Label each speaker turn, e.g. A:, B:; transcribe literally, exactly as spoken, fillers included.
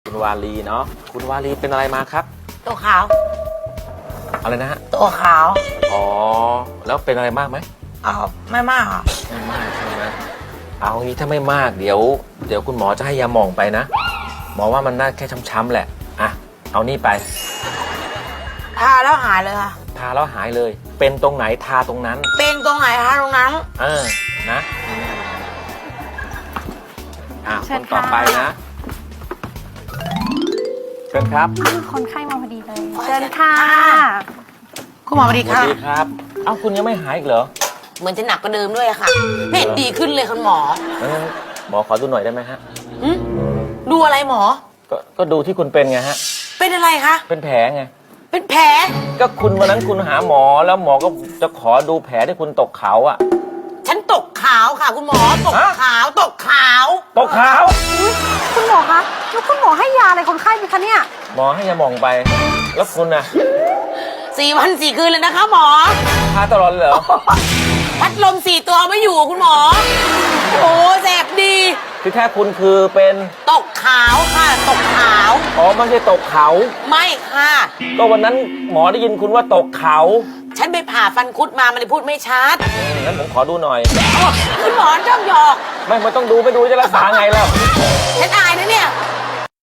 A: คุณวาลีเนาะคุณวาลีเป็นอะไรมาครับ
B: ตัวขาว
A: อะไรนะฮะ
B: ตัวขาว
A: อ๋อแล้วเป็นอะไรมากไหม
B: เอาไม่มากค่ะ
A: ไม่มากใช่ไหมเอางี้ถ้าไม่มากเดี๋ยวเดี๋ยวคุณหมอจะให้ยาหม่องไปนะหมอว่ามันน่าแค่ช้ำๆแหละอ่ะเอานี่ไป
B: ทาแล้วหายเลยค่ะ
A: ทาแล้วหายเลย เป็นตรงไหนทาตรงนั้น
B: เป็นตรงไหนทาตรงนั้น
A: เออนะอ่ะ
C: เชิ
A: ค
C: ญ
A: น
C: ค่ะ
A: ต่อไปนะเชิญครับ
C: อ้าวคนไข้มาพอดีเลย เชิญค่ะ
B: คุณหมอสวัสดี
A: สวั
B: ค่ะ
A: สดีครับเอ้าคุณยังไม่หายอีกเหรอ
B: เหมือนจะหนักกว่าเดิมด้วยอะค่ะไม่เห็นดีขึ้นเลยคุณหมอ
A: งั้นหมอขอดูหน่อยได้ไหมฮะ
B: หึดูอะไรหมอ
A: ก็ก็ดูที่คุณเป็นไงฮะ
B: เป็นอะไรคะ
A: เป็นแผลไง
B: เป็นแผล
A: ก็คุณวันนั้นคุณหาหมอแล้วหมอก็จะขอดูแผลที่คุณตกเขาอะ
B: ฉันตกขาวค่ะ คุณหมอ ตก
A: ฮะ
B: ขาว ตกขาว
A: ตกเขา
C: อุ๊ยคุณหมอคะแล้วคุณหมอให้ยาอะไรคนไข้ไหมคะเนี่ย
A: หมอให้ยาหม่องไป แล้วคุณน่ะ
B: สี่วันสี่คืนเลยนะคะหมอ
A: ทาตลอดเลยเหรอ
B: พัดลมสี่ตัวไม่อยู่คุณหมอ โอ้แสบดี
A: คือแค่คุณคือเป็น
B: ตกขาวค่ะ ตกขาว
A: อ๋อไม่ใช่ตกเขา
B: ไม่ค่ะ
A: ก็วันนั้นหมอได้ยินคุณว่าตกเขา
B: ฉันไปผ่าฟันคุดมามันเลยพูดไม่ชัด
A: อืมงั้นผมขอดูหน่อย
B: อ๋อคุณหมอชอบหยอก
A: ไม่ไม่ต้องดูไม่ดูจะรักษาไงแล้ว
B: ฉันอายนะเนี่ย